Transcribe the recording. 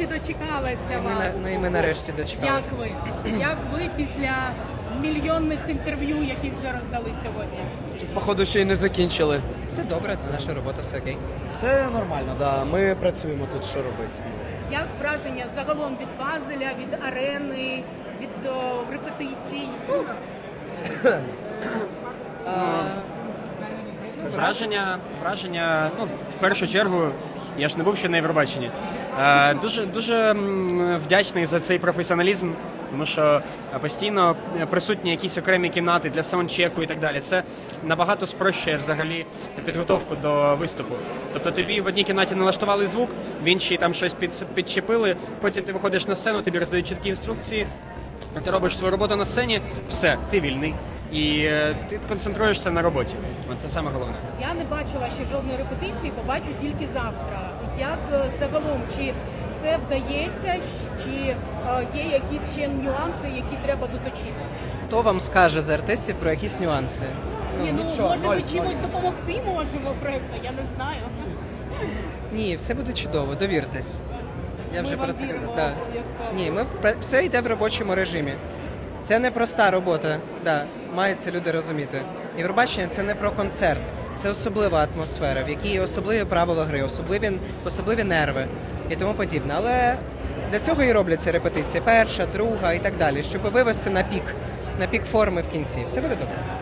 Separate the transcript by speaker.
Speaker 1: нарешті дочекалася вас.
Speaker 2: Ну і ми нарешті дочекалися.
Speaker 1: Як ви? Як ви після мільйонних інтерв'ю, які вже роздали сьогодні?
Speaker 3: Походу, ще й не закінчили.
Speaker 2: Все добре, це наша робота, все окей.
Speaker 3: Все нормально, да. Ми працюємо тут, що робити.
Speaker 1: Як враження загалом від Базеля, від арени, від репетицій?
Speaker 4: Враження, ну, в першу чергу, я ж не був ще на Євробаченні. Дуже вдячний за цей професіоналізм, тому що постійно присутні якісь окремі кімнати для саундчеку і так далі. Це набагато спрощує взагалі підготовку до виступу. Тобто тобі в одній кімнаті налаштували звук, в іншій там щось підчепили, потім ти виходиш на сцену, тобі роздають чіткі інструкції, ти робиш свою роботу на сцені, все, ти вільний. І ти концентруєшся на роботі. Це саме головне.
Speaker 1: Я не бачила ще жодної репетиції, побачу тільки завтра. Як загалом, чи все вдається, чи є якісь ще нюанси, які треба доточити?
Speaker 2: Хто вам скаже з артистів про якісь нюанси?
Speaker 1: Може ви чимось допомогти можемо, преса, я не знаю.
Speaker 2: Ні, все буде чудово, довіртесь. Я вже
Speaker 1: Ми
Speaker 2: про
Speaker 1: вам
Speaker 2: це
Speaker 1: віримо,
Speaker 2: казав.
Speaker 1: обов'язково.
Speaker 2: Ні, все йде в робочому режимі. Це не проста робота, мають це люди розуміти. Євробачення – це не про концерт, це особлива атмосфера, в якій є особливі правила гри, особливі нерви і тому подібне. Але для цього і робляться репетиції, перша, друга і так далі, щоб вивести на пік форми в кінці. Все буде добре.